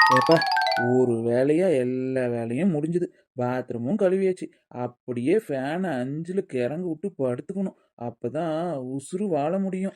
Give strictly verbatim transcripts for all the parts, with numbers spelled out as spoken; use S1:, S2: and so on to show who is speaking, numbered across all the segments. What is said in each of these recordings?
S1: ஏப்பா ஒரு வேலையா எல்லா வேலையும் முடிஞ்சுது. பாத்ரூமும் கழுவியாச்சு. அப்படியே ஃபேனை அஞ்சுல கிறங்க விட்டு படுத்துக்கணும். அப்பதான் உசுறு வாழ முடியும்.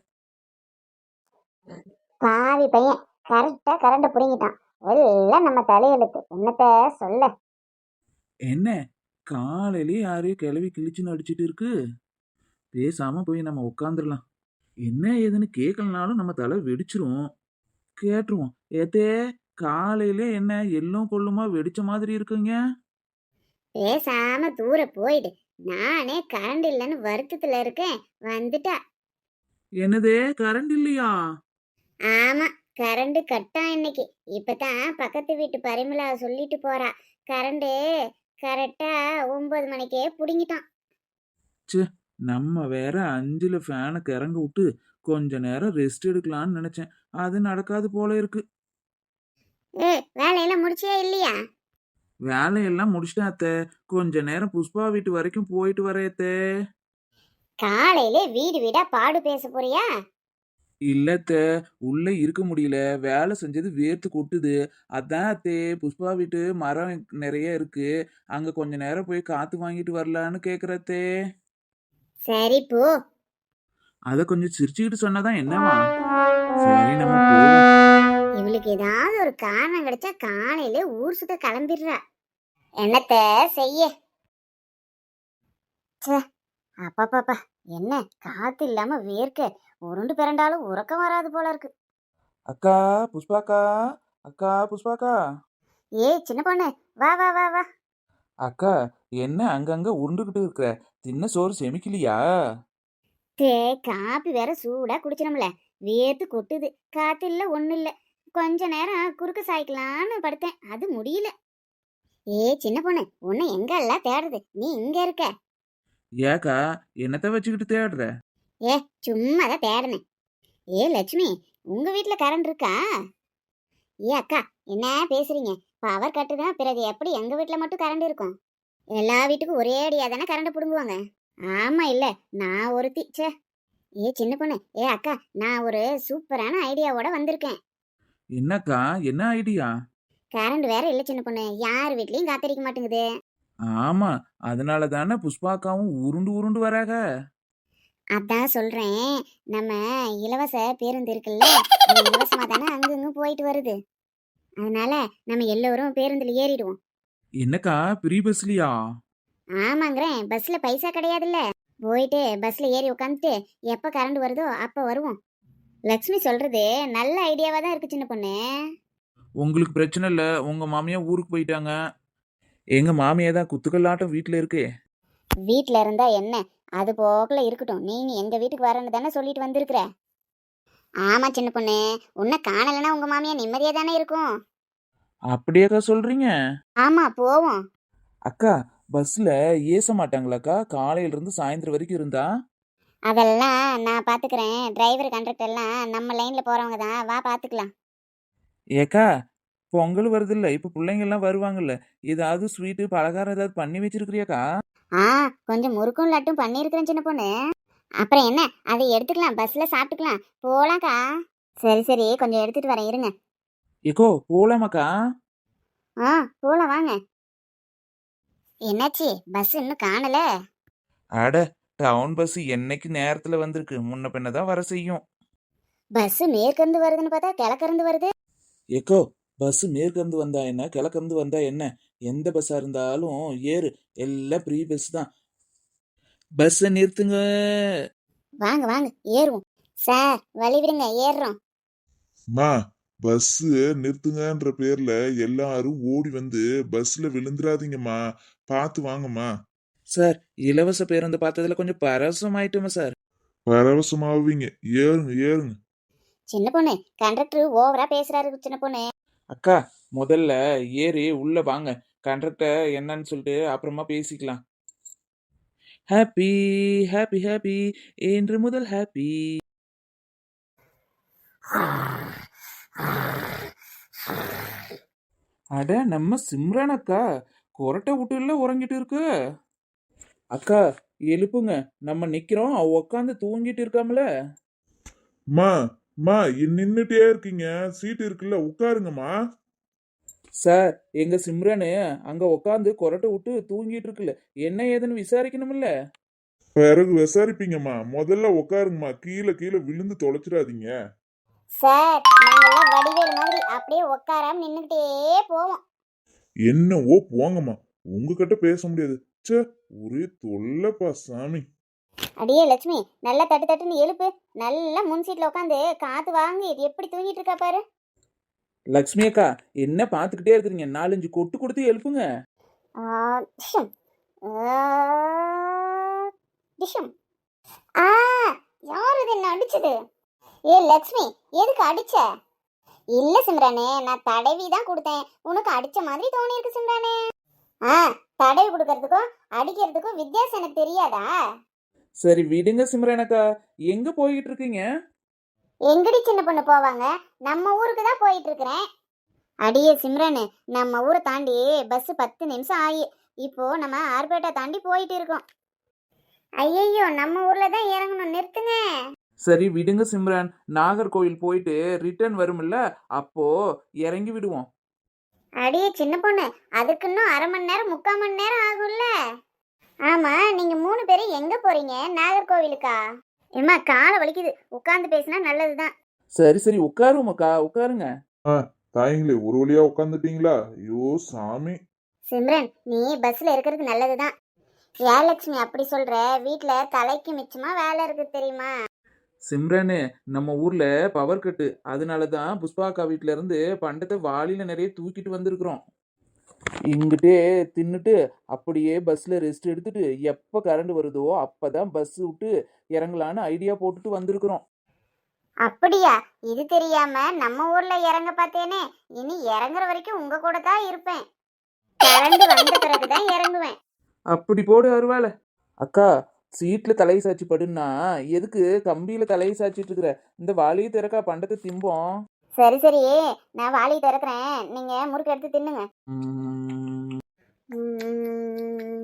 S2: பாவி பையன் கரெக்டா கரண்ட் புடுங்கிட்டான். எல்லாம் நம்ம தலையெழுத்து, என்னத்த சொல்ல.
S1: என்ன காலையிலேயே யாரையும் கிளவி கிழிச்சுன்னு அடிச்சிட்டு இருக்கு. பேசாம போய் நம்ம உட்காந்துடலாம். என்ன ஏதுன்னு கேட்கலனாலும் நம்ம தலை வெடிச்சிரும். கேட்டுருவோம். ஏத்தே காலையிலே என்ன எள்ளும் கொள்ளுமா வெடிச்ச மாதிரி இருக்குங்க.
S2: பேசாம தூர போயிடு. நானே கரண்ட் இல்லைன்னு வருத்தத்துல இருக்கேன். வந்துட்டா.
S1: என்னதே கரண்ட் இல்லையா?
S2: ஆமா, கரண்ட் கட்டா இன்னைக்கு. இப்பதான் பக்கத்து வீட்டு பரிமளா சொல்லிட்டு போறா. கரண்ட் கரெக்டா ஒன்பது மணிக்கே புடுங்கிட்டான்.
S1: ச்சே, நம்ம வேற அஞ்சுல ஃபேனை கிறங்க விட்டு கொஞ்ச நேரம் ரெஸ்ட் எடுக்கலாம்னு நினைச்சேன். அது நடக்காது போல இருக்கு.
S2: ஏ, வேலையெல்லாம் முடிச்சியா இல்லையா?
S1: வேலையெல்லாம் முடிச்சிட்டேன் அத்தை. கொஞ்ச நேரம் புஷ்பா வீட்டு வரைக்கும் போயிட்டு வரேன் அத்தை.
S2: காலையிலே வீடு வீடா பாடு பேச போறியா?
S1: இல்ல அத்தை, உள்ள இருக்க முடியல. வேலை செஞ்சது வேர்த்து கொட்டுது. அதான் அத்தை, புஷ்பா வீட்டு மரம் நிறைய இருக்கு. அங்க கொஞ்ச நேரம் போய் காத்து வாங்கிட்டு வரலான்னு கேக்குற அத்தை.
S2: சரி போ.
S1: அத கொஞ்சம் சிரிச்சுக்கிட்டு சொன்னாதான் என்னவா? சரி நம்ம போவோம்.
S2: இவளுக்கு ஏதாவது ஒரு காரணம் கிடைச்சா காலையில ஊர் சுத்த கிளம்பிடுறா. என்னத்த செய்ய. ச்சே, அப்பாப்பாப்பா, என்ன காத்து இல்லாம வேர்க்க உருண்டு பிறண்டாலும் உறக்கம் வராது போல இருக்கு.
S1: அக்கா புஷ்பாக்கா, அக்கா புஷ்பாக்கா.
S2: ஏய் சின்ன பொண்ணு, வா வா வா வா.
S1: அக்கா, என்ன அங்கங்க உருண்டுகிட்டு இருக்கிற? தின்ன சோறு செமிக்கலையா?
S2: தே, காப்பி வேற சூடா குடிச்சிடம்ல. வேர்த்து கொட்டுது. காத்து இல்ல ஒண்ணு இல்ல. கொஞ்ச நேரம் குறுக்கு சாய்க்கலான்னு படுத்தேன், அது முடியல. ஏ சின்ன பொண்ணு, உன்னை எங்க எல்லாம் தேடுது, நீ இங்க இருக்க?
S1: ஏக்கா, என்னத்த வச்சுக்கிட்டு தேடுற?
S2: ஏ, சும்மா தான் தேடினேன். ஏ லட்சுமி, உங்க வீட்ல கரண்ட் இருக்கா? ஏ அக்கா, என்ன பேசுறீங்க? பவர் கட்டு தான், பிறகு எப்படி எங்க வீட்ல மட்டும் கரண்ட் இருக்கும்? எல்லா வீட்டுக்கும் ஒரே அடியா தானே கரண்ட் புடுங்குவாங்க. ஆமா இல்ல, நான் ஒருத்தி. ச்சே. ஏ சின்ன பொண்ணு, ஏ அக்கா, நான் ஒரு சூப்பரான ஐடியாவோட வந்திருக்கேன்.
S1: என்னக்கா, என்ன ஐடியா?
S2: கரண்ட் வேற இல்ல சின்ன பொண்ணு, யார் வீட்லயும் காத்தடிக்க மாட்டேங்குது.
S1: ஆமா, அதனால தானே புஷ்பாக்காவும் உருண்டு உருண்டு வராக.
S2: அதான் சொல்றேன். நம்ம இலவச பேருந்து இருக்குல்ல, அது இலவசமா தானே அங்கங்க போயிட்டு வருது. அதனால நம்ம எல்லோரும் பேருந்துல ஏறிடுவோம்.
S1: என்னக்கா, ஃப்ரீ பஸ்லயா?
S2: ஆமாங்கிறேன், பஸ்ல பைசா கிடையாதுல்ல. போயிட்டு பஸ்ல ஏறி உட்காந்துட்டு எப்ப கரண்ட் வருதோ அப்ப வருவோம். லக்ஷ்மி சொல்றது நல்ல ஐடியாவா தான் இருக்கு சின்ன பொண்ணு.
S1: உங்களுக்கு பிரச்சனை இல்ல, உங்க மாமியா ஊருக்கு போயிட்டாங்க. எங்க மாமியா தான் குத்துக்கல்லாட்டம் வீட்டுல இருக்கே.
S2: வீட்ல இருந்தா என்ன, அது போக்குல இருக்கட்டும். நீங்க எங்க வீட்டுக்கு வரேன்னு தானே சொல்லிட்டு வந்திருக்கிற. ஆமா சின்ன பொண்ணு, உன்னை காணலைன்னா உங்க மாமியா நிம்மதியா தானே இருக்கும்.
S1: அப்படியாக்கா சொல்றீங்க?
S2: ஆமா, போவோம்.
S1: அக்கா, பஸ்ல ஏச மாட்டாங்களாக்கா காலையில இருந்து சாயந்தரம் வரைக்கும் இருந்தா?
S2: அதெல்லாம் நான் பாத்துக்கிறேன். டிரைவர் கண்டக்டர் எல்லாம் நம்ம லைன்ல போறவங்க தான், வா பாத்துக்கலாம்.
S1: ஏக்கா, பொங்கல் வருது இல்ல, இப்ப பிள்ளைங்க எல்லாம் வருவாங்கல்ல, ஏதாவது ஸ்வீட்டு பலகாரம் ஏதாவது பண்ணி வச்சிருக்கிறியாக்கா?
S2: ஆ, கொஞ்சம் முறுக்கும் லட்டும் பண்ணியிருக்கிறேன் சின்ன பொண்ணு. அப்புறம் என்ன, அதை எடுத்துக்கலாம், பஸ்ல சாப்பிட்டுக்கலாம். போலாம்க்கா. சரி சரி, கொஞ்சம் எடுத்துட்டு வரேன் இருங்க.
S1: ஏக்கோ போலாமாக்கா?
S2: ஆ, போலாம் வாங்க. என்னாச்சு, பஸ் இன்னும் காணல?
S1: அட, டவுன் பஸ் என்னைக்கு நேரத்துல வந்திருக்கு, முன்ன பின்னதான் வர செய்யும்.
S2: பஸ் மேற்கிருந்து வருதுன்னு பார்த்தா கிழக்கிருந்து வருது.
S1: ஏக்கோ, பஸ் மேற்கிருந்து வந்தா என்ன கிழக்கிருந்து வந்தா என்ன, எந்த பஸ்ஸா இருந்தாலும் ஏறு, எல்லாம் ப்ரீ பஸ் தான். பஸ்ஸை நிறுத்துங்க.
S2: வாங்க வாங்க ஏறுவோம். சார் வழி விடுங்க, ஏறுறோம்.
S3: மா, பஸ் நிறுத்துங்கன்ற பேர்ல எல்லாரும் ஓடி வந்து பஸ்ல விழுந்துராதீங்கம்மா, பார்த்து வாங்கம்மா.
S1: சார், இலவச பேருந்து பார்த்ததுல கொஞ்சம் பரவசம் ஆயிட்டுமா சார்?
S3: பரவசமாவீங்க, ஏறுங்க ஏறுங்க.
S2: சின்ன பொண்ணு, கண்டக்டர் ஓவரா பேசுறாரு சின்ன பொண்ணு.
S1: அக்கா, முதல்ல ஏறி உள்ள வாங்க. கண்டக்டர் என்னன்னு சொல்லிட்டு அப்புறமா பேசிக்கலாம். ஹாப்பி ஹாப்பி ஹாப்பி, இன்று முதல் ஹாப்பி. அட, நம்ம சிம்ரன் அக்கா கொரட்டை விட்டுல உறங்கிட்டு இருக்கு. அக்கா எழுப்புங்க, நம்ம நிக்கிறோம், அவ உட்காந்து தூங்கிட்டு இருக்காமல.
S3: மா மா, நின்னுட்டே இருக்கீங்க, சீட் இருக்குல்ல, உட்காருங்கம்மா.
S1: சார் எங்க சிம்ரனு அங்க உட்காந்து கொரட்டை விட்டு தூங்கிட்டு இருக்குல்ல, என்ன ஏதுன்னு விசாரிக்கணும்ல.
S3: பிறகு விசாரிப்பீங்கம்மா, முதல்ல உட்காருங்கம்மா, கீழே கீழே விழுந்து தொலைச்சிடாதீங்க.
S2: சார் நாங்கெல்லாம் வடிவேல் மாதிரி அப்படியே உட்காராம நின்றுக்கிட்டே போவோம்.
S3: என்னவோ போங்கம்மா, உங்ககிட்ட பேச முடியாது. ச்சே, ஒரே தொல்லைப்பா சாமி.
S2: அடியே லட்சுமி, நல்லா தட்டு தட்டுன்னு எழுப்பு. நல்லா முன் சீட்ல உட்காந்து காத்து வாங்கி எப்படி தூங்கிட்டு இருக்கா பாரு.
S1: லக்ஷ்மி அக்கா என்ன பார்த்துக்கிட்டே இருக்கிறீங்க, நாலஞ்சு கொட்டு கொடுத்து எழுப்புங்க.
S2: ஆ, டிஷம். ஆ, டிஷம். ஆ, யார் இது என்ன அடிச்சது? ஏ லட்சுமி, எதுக்கு அடிச்ச? இல்ல சிம்ரானே, நான் தடவி தான் கொடுத்தேன். உனக்கு அடிச்ச மாதிரி தோணி இருக்கு சிம்ரானே. ஆ, தடவி கொடுக்கறதுக்கும் அடிக்கிறதுக்கும் வித்தியாசம் எனக்கு தெரியாதா?
S1: சரி விடுங்க சிம்ரன் அக்கா, எங்க போய்கிட்டு இருக்கீங்க?
S2: எங்கடி சின்ன பொண்ணு போவாங்க, நம்ம ஊருக்கு தான் போயிட்டு இருக்கிறேன். அடியே சிம்ரனு, நம்ம ஊரை தாண்டி பஸ் பத்து நிமிஷம் ஆகி இப்போ நம்ம ஆர்பேட்டை தாண்டி போயிட்டு இருக்கோம். ஐயையோ, நம்ம ஊர்ல தான் இறங்கணும், நிறுத்துங்க.
S1: சரி விடுங்க சிம்ரன், நாகர்கோவில் போயிட்டு ரிட்டர்ன் வரும்ல, அப்போ இறங்கி விடுவோம்.
S2: அடியே சின்ன பொண்ணு, அதுக்கு இன்னும் அரை மணி நேரம் முக்கால் மணி நேரம் ஆகும்ல. ஆமா, நீங்க மூணு பேரும் எங்க போறீங்க? நாகர்கோவிலுக்கா? ஏம்மா காலை வலிக்குது, உட்காந்து பேசினா நல்லதுதான்.
S1: சரி சரி உட்காருவோம் அக்கா, உட்காருங்க.
S3: ஆ, தாயங்களே ஒரு வழியா உட்காந்துட்டீங்களா? ஐயோ சாமி.
S2: சிம்ரன், நீ பஸ்ல இருக்கிறது நல்லதுதான். ஏலட்சுமி அப்படி சொல்ற, வீட்டுல தலைக்கு மிச்சமா வேலை இருக்கு தெரியுமா?
S1: சிம்ரனு, நம்ம ஊர்ல பவர் கட்டு, அதனால தான் புஷ்பா அக்கா வீட்ல இருந்து பண்டத்தை வாளியில நிறைய தூக்கிட்டு வந்திருக்கிறோம். இங்கிட்டே தின்னுட்டு அப்படியே பஸ்ல ரெஸ்ட் எடுத்துட்டு எப்போ கரண்ட் வருதோ அப்பதான் பஸ் விட்டு இறங்கலான்னு ஐடியா போட்டுட்டு வந்திருக்கிறோம்.
S2: அப்படியா? இது தெரியாம நம்ம ஊர்ல இறங்க பார்த்தேனே. இனி இறங்குற வரைக்கும் உங்க கூட தான் இருப்பேன். கரண்ட் வந்த பிறகுதான் இறங்குவேன்.
S1: அப்படி போடு அருவாள. அக்கா, சீட்ல தலையை சாச்சி படுன்னா எதுக்கு கம்பியில தலையை சாச்சிட்டு இருக்கிற? இந்த வாளியை திறக்கா, பண்டத்தை திம்போம்.
S2: சரி சரி, நான் வாளி திறக்கிறேன், நீங்க முறுக்கு எடுத்து தின்னுங்க.
S1: உம்,
S2: ம்,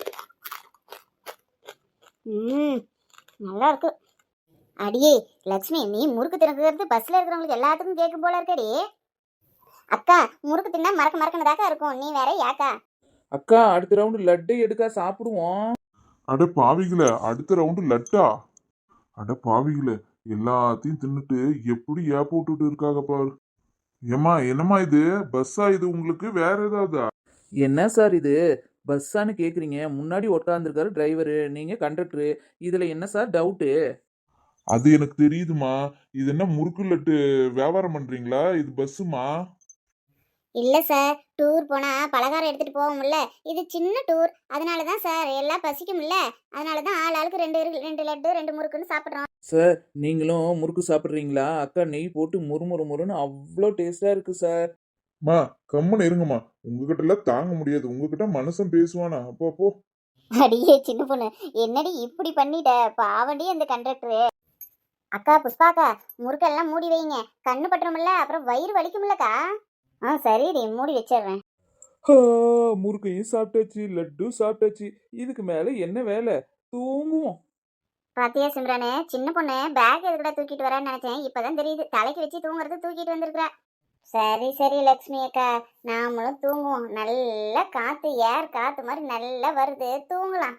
S2: ம், நல்லா இருக்கு. அடியே லட்சுமி, நீ முறுக்கு திறக்கிறது பஸ்ல இருக்கிறவங்களுக்கு எல்லாத்துக்கும் கேட்கும் போல இருக்கடி. அக்கா, முறுக்கு தின்னா மறக்க மறக்கனதாக்கா இருக்கும், நீ வேற யாக்கா?
S1: அக்கா அடுத்த ரவுண்டு லட்டு எடுக்கா, சாப்பிடுவோம்.
S3: அட பாவிகளே, அடுத்த ரவுண்டு லட்டா? அட பாவிகளே, எல்லாத்தையும் தின்னுட்டு எப்படி ஏப்ப விட்டுட்டு இருக்காங்க பாரு. ஏம்மா, என்னம்மா இது? பஸ்ஸா இது உங்களுக்கு, வேற ஏதாவதா?
S1: என்ன சார் இது பஸ்ஸான்னு கேக்குறீங்க? முன்னாடி உட்காந்துருக்காரு டிரைவரு, நீங்க கண்டக்டரு, இதுல என்ன சார் டவுட்டு?
S3: அது எனக்கு தெரியுதுமா. இது என்ன முறுக்கு லட்டு வியாபாரம் பண்றீங்களா? இது பஸ்ஸுமா?
S2: இல்ல சார், டூர் போனா பலகாரம் எடுத்துட்டு போவோம்ல, இது சின்ன டூர், அதனாலதான் சார், எல்லாம் பசிக்கும்ல, அதனாலதான் ஆள் ஆளுக்கு ரெண்டு ரெண்டு லட்டு ரெண்டு முறுக்குன்னு சாப்பிடுறோம்.
S1: சார் நீங்களும் முறுக்கு சாப்பிட்றீங்களா? அக்கா நெய் போட்டு முறுமுறு முறுன்னு அவ்வளோ டேஸ்டா இருக்கு சார்.
S3: மா, கம்முன்னு இருங்கம்மா. உங்ககிட்ட எல்லாம் தாங்க முடியாது. உங்ககிட்ட மனுஷன் பேசுவானா? அப்போ போ.
S2: அடியே சின்ன பொண்ணு, என்னடி இப்படி பண்ணிட்ட? பாவண்டி அந்த கண்டக்டரு. அக்கா புஷ்பாக்கா, முறுக்கெல்லாம் மூடி வைங்க, கண்ணு பட்டுறோம்ல, அப்புறம் வயிறு வலிக்கும்லக்கா. ஆ சரிடி, மூடி வச்சிடுறேன்.
S1: ஆ, முறுக்கையும் சாப்பிட்டாச்சு, லட்டு சாப்பிட்டாச்சு, இதுக்கு மேல என்ன வேலை? தூங்குவோம்.
S2: பாத்தியா சிம்ரானே, சின்ன பொண்ணு பேக் எதுக்கூட தூக்கிட்டு வரேன்னு நினைச்சேன், இப்பதான் தெரியுது தலைக்கு வச்சு தூங்குறது தூக்கிட்டு வந்திருக்கிறா. சரி சரி லக்ஷ்மி அக்கா, நாமளும் தூங்குவோம். நல்லா காத்து, ஏர் காத்து மாதிரி நல்லா வருது, தூங்கலாம்.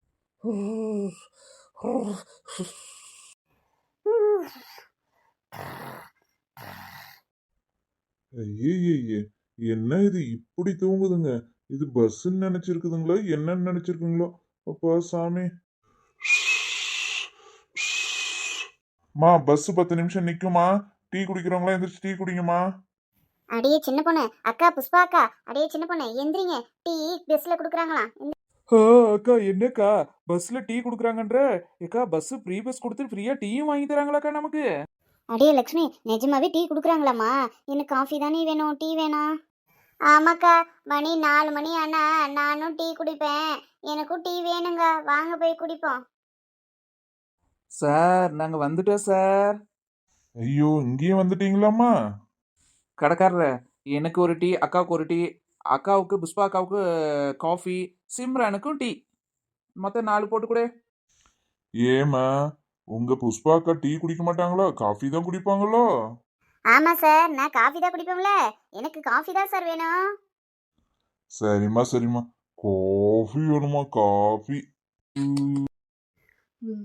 S3: ஐயே, என்ன இது இப்படி தூங்குதுங்க? இது பஸ்ன்னு நினைச்சிருக்குதுங்களோ என்னன்னு நினைச்சிருக்குங்களோ? அப்பா சாமி. மா, பஸ் பத்து நிமிஷம் நிக்குமா? டீ குடிக்கிறவங்களா எந்திரிச்சு டீ குடிங்கம்மா.
S2: அடியே சின்ன பொண்ணு, அக்கா புஷ்பா அக்கா, அடியே சின்ன பொண்ணு எந்திரிங்க, டீ பஸ்ல குடுக்குறாங்களாம்.
S1: ஆ, அக்கா என்னக்கா பஸ்ல டீ குடுக்குறாங்கன்ற? ஏக்கா பஸ் ஃப்ரீ பஸ் கொடுத்து ஃப்ரீயா டீயும் வாங்கி தராங்களாக்கா நமக்கு?
S2: அடியே லக்ஷ்மி, நிஜமாவே டீ குடுக்குறாங்களாம்மா? எனக்கு காஃபி தானே வேணும், டீ வேணாம்? ஆமாக்கா, மணி நாலு மணி ஆனா நானும் டீ குடிப்பேன், எனக்கும் டீ வேணுங்க, வாங்க போய் குடிப்போம்.
S1: சார் நாங்க வந்துட்டோம் சார்.
S3: ஐயோ, இங்கேயும் வந்துட்டீங்களாம்மா?
S1: கடைக்காரர், எனக்கு ஒரு டீ, அக்காவுக்கு ஒரு டீ, அக்காவுக்கு புஷ்பா அக்காவுக்கு காஃபி, சிம்ரனுக்கும் டீ, மொத்தம் நாலு போட்டு கூட.
S3: ஏமா, உங்க புஷ்பாக்கா டீ குடிக்க மாட்டாங்களோ? காஃபி தான் குடிப்பாங்களோ?
S2: ஆமா சார், நான் காஃபி தான் குடிப்பேன்ல, எனக்கு காஃபி தான் சார் வேணும்.
S3: சரிம்மா சரிம்மா, காஃபி வேணுமா? காஃபி.
S2: ம்.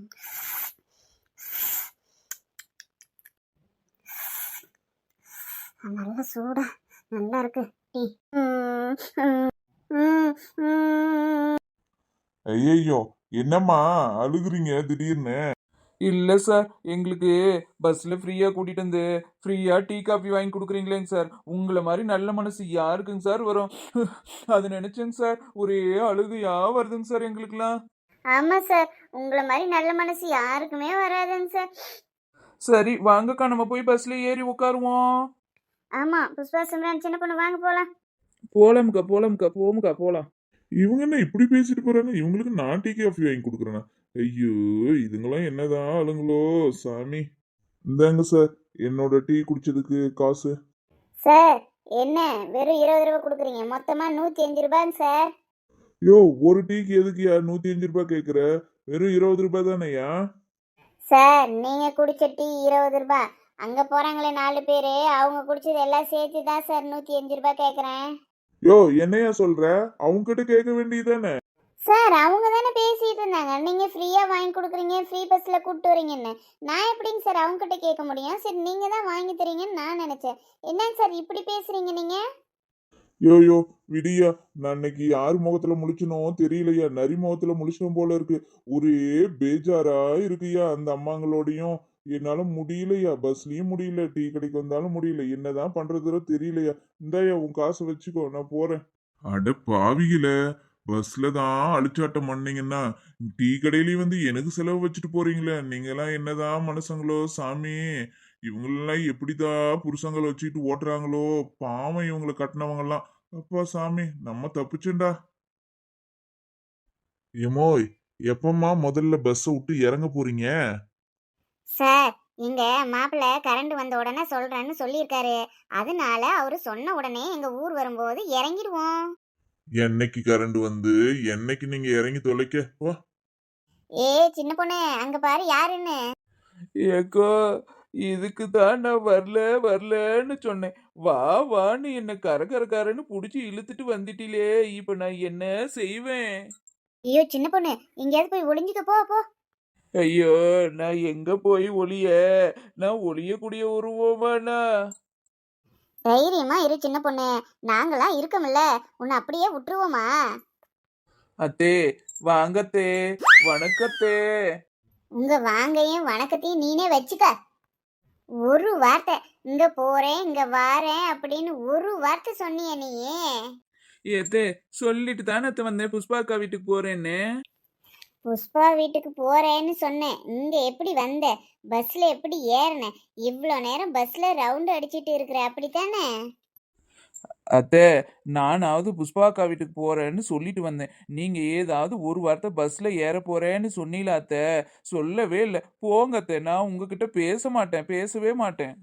S2: நல்ல சூடா நல்லா இருக்கு டீ. ம், ம், ம், ம்.
S3: ஐயையோ, என்னம்மா அழுகுறீங்க திடீர்னு?
S1: இல்ல சார், எங்களுக்கு பஸ்ல ஃப்ரீயா கூட்டிட்டு வந்து ஃப்ரீயா டீ காபி வாங்கி கொடுக்குறீங்களேங்க சார். உங்களை மாதிரி நல்ல மனசு யாருக்குங்க சார் வரும்? அது நினைச்சேங்க சார், ஒரே அழுகையா வருதுங்க சார் எங்களுக்குலாம்.
S2: ஆமா சார், உங்களை மாதிரி நல்ல மனசு யாருக்குமே வராதுங்க சார்.
S1: சரி வாங்கக்கா, நம்ம போய் பஸ்ல ஏறி உட்காருவோம்.
S2: ஆமா, புஷ்பா சிம்ரன் சின்ன பொண்ணு வாங்க போலாம்.
S1: போலாமுக்கா போலாமுக்கா, போமுக்கா போலாம்.
S3: இவங்க என்ன இப்படி பேசிட்டு போறாங்க? இவங்களுக்கு நான் டீ காஃபி வாங்கி கொடுக்குறேனா? ஐயோ, இதுங்களாம் என்னதான் ஆளுங்களோ சாமி. இந்தாங்க சார், என்னோட டீ குடிச்சதுக்கு காசு.
S2: சார், என்ன வெறும் இருபது ரூபாய் கொடுக்குறீங்க? மொத்தமா நூத்தி அஞ்சு ரூபாய்ங்க சார்.
S3: யோ, ஒரு டீக்கு எதுக்குயா நூத்தி அஞ்சு ரூபாய் கேக்குற? வெறும் இருபது ரூபாய் தானேயா?
S2: சார், நீங்க குடிச்ச டீ இருபது ரூபாய், அங்க போறாங்களே நாலு பேரு, அவங்க குடிச்சது எல்லாம் சேர்த்து தான் சார் நூத்தி அஞ்சு ரூபாய் கேக்குறேன்.
S3: யோ, என்னையா சொல்ற? அவங்க கிட்ட கேட்க வேண்டியதானே?
S2: சார், அவங்க தானே பேசிட்டு இருந்தாங்க, நீங்க ஃப்ரீயா வாங்கி கொடுக்குறீங்க, ஃப்ரீ பஸ்ல கூப்பிட்டு வரீங்கன்னு. நான் எப்படிங்க சார் அவங்க கிட்ட கேட்க முடியும்? சரி, நீங்க தான் வாங்கி தரீங்கன்னு நான் நினைச்சேன். என்னங்க சார் இப்படி பேசுறீங்க நீங்க?
S3: யோ யோ, விடியா, நான் இன்னைக்கு யார் முகத்துல முழிச்சனோ தெரியலையா, நரி முகத்துல முழிச்சனும் போல இருக்கு. ஒரே பேஜாரா இருக்குயா அந்த அம்மாங்களோடையும். என்னால முடியலையா, பஸ்லயும் முடியல, டீ கடைக்கு வந்தாலும் முடியல. என்னதான் பண்றதோ தெரியலையா. இந்தாயா உன் காசை வச்சுக்கோ, நான் போறேன். அட பாவிகள, பஸ்ல தான் அழிச்சாட்டம் பண்ணீங்கன்னா டீ கடையிலயும் வந்து எனக்கு செலவு வச்சுட்டு போறீங்களே, நீங்க எல்லாம் என்னதான் மனுஷங்களோ சாமி. இவங்களெல்லாம் எப்படிதான் புருஷங்களை வச்சுக்கிட்டு ஓட்டுறாங்களோ, பாவம் இவங்களை கட்டினவங்க எல்லாம். அப்பா சாமி, நம்ம தப்பிச்சுண்டா. ஏமோய், எப்பம்மா முதல்ல பஸ் விட்டு இறங்க போறீங்க?
S2: சார், எங்க மாப்பிள்ளை கரண்ட் வந்த உடனே சொல்றேன்னு சொல்லியிருக்காரு. அதனால அவரு சொன்ன உடனே எங்க ஊர் வரும்போது இறங்கிடுவோம்.
S3: என்னைக்கு கரண்ட் வந்து என்னைக்கு நீங்க இறங்கி தொலைக்க வா.
S2: ஏ சின்ன பொண்ணு, அங்க பாரு யாருன்னு.
S1: ஏக்கோ, இதுக்கு தான் நான் வரல வரலன்னு சொன்னேன். வா வான்னு என்ன கர கர கரன்னு புடிச்சு இழுத்துட்டு வந்துட்டிலே, இப்ப நான் என்ன செய்வேன்?
S2: ஐயோ சின்ன பொண்ணு, எங்கேயாவது போய் ஒளிஞ்சுக்க, போ போ.
S1: ஐயோ, நான் எங்க போய் ஒளிய? நான் ஒளியக்கூடிய உருவமாண்ணா?
S2: தைரியமா இரு சின்ன பொண்ணு, நாங்களாம் இருக்கோம்ல, உன்னை அப்படியே விட்டுருவோமா?
S1: அத்தே, வாங்கத்தே, வணக்கத்தே.
S2: உங்க வாங்கையும் வணக்கத்தையும் நீனே வச்சுக்க. ஒரு வார்த்தை இங்க போறேன் இங்க வாரேன் அப்படின்னு ஒரு வார்த்தை சொன்னிய நீயே?
S1: ஏத்தே, சொல்லிட்டு தானே அத்தை வந்தேன் புஷ்பாக்கா வீட்டுக்கு போறேன்னு.
S2: புஷ்பா வீட்டுக்கு போறேன்னு சொன்னேன், இங்க எப்படி வந்த? பஸ்ல எப்படி ஏறின? இவ்வளோ நேரம் பஸ்ல ரவுண்ட் அடிச்சிட்டு இருக்கிற, அப்படித்தானே?
S1: அத்தை, நானாவது புஷ்பாக்கா வீட்டுக்கு போறேன்னு சொல்லிட்டு வந்தேன். நீங்க ஏதாவது ஒரு வார்த்தை பஸ்ல ஏற போறேன்னு சொன்னீங்களா அத்தை? சொல்லவே இல்லை. போங்க அத்தை, நான் உங்ககிட்ட பேச மாட்டேன், பேசவே மாட்டேன்.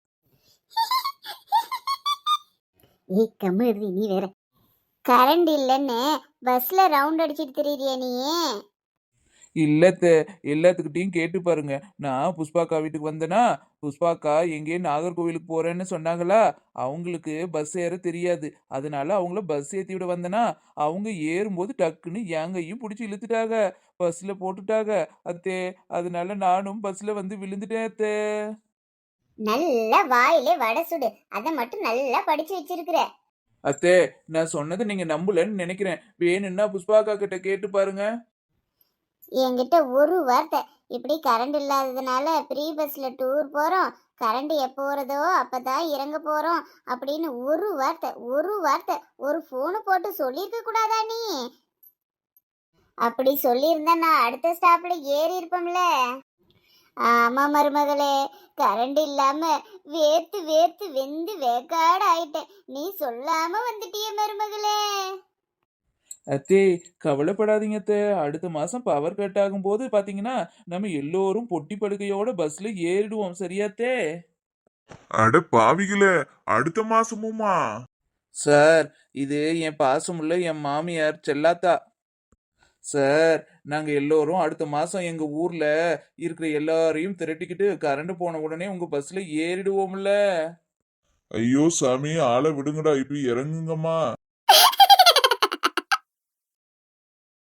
S2: ஏய் கம்மு எழுதி, நீ வேற. கரண்ட் இல்லைன்னு பஸ்ல ரவுண்ட் அடிச்சிட்டு தெரியுறிய நீயே?
S1: இல்லத்த, எல்லாத்துக்கிட்டையும் கேட்டு பாருங்க. நான் புஷ்பாக்கா வீட்டுக்கு வந்தேனா, புஷ்பாக்கா எங்கேயும் நாகர்கோவிலுக்கு போறேன்னு சொன்னாங்களா, அவங்களுக்கு பஸ் ஏற தெரியாது. அதனால அவங்கள பஸ் ஏத்தி விட வந்தேனா, அவங்க ஏறும்போது டக்குன்னு எங்கையும் பிடிச்சி இழுத்துட்டாங்க, பஸ்ல போட்டுட்டாங்க அத்தே. அதனால நானும் பஸ்ல வந்து விழுந்துட்டேன் அத்தே.
S2: நல்ல வாயிலே வடை சுடு, அதை மட்டும் நல்லா படிச்சு வச்சிருக்கிற.
S1: அத்தே, நான் சொன்னதை நீங்க நம்பலன்னு நினைக்கிறேன். வேணும்னா புஷ்பாக்கா கிட்ட கேட்டு பாருங்க.
S2: என்கிட்ட ஒரு வார்த்தை, இப்படி கரண்ட் இல்லாததுனால ப்ரீ பஸ்ல டூர் போறோம், கரண்ட் எப்போ வருதோ அப்பதான் இறங்க போறோம் அப்படின்னு ஒரு வார்த்தை ஒரு வார்த்தை ஒரு ஃபோனு போட்டு சொல்லியிருக்க கூடாதா நீ? அப்படி சொல்லியிருந்தா நான் அடுத்த ஸ்டாப்ல ஏறி இருப்போம்ல. ஆமா மருமகளே, கரண்ட் இல்லாம வேர்த்து வேர்த்து வெந்து வேக்காடு ஆயிட்டேன், நீ சொல்லாம வந்துட்டிய மருமகளே.
S1: அத்தே, கவலைப்படாதீங்க அத்தே. அடுத்த மாசம் பவர் கட் ஆகும் போது பாத்தீங்கன்னா நம்ம எல்லோரும் பொட்டி படுக்கையோட பஸ்ல ஏறிடுவோம். சரியாத்தே?
S3: அட பாவிகளே, அடுத்த மாசமுமா?
S1: சார், இது என் பாசமுள்ள என் மாமியார் செல்லாத்தா. சார், நாங்க எல்லோரும் அடுத்த மாசம் எங்க ஊர்ல இருக்கிற எல்லாரையும் திரட்டிக்கிட்டு கரண்ட் போன உடனே உங்க பஸ்ல ஏறிடுவோம்ல.
S3: ஐயோ சாமி, ஆளை விடுங்கடா, இப்ப இறங்குங்கம்மா.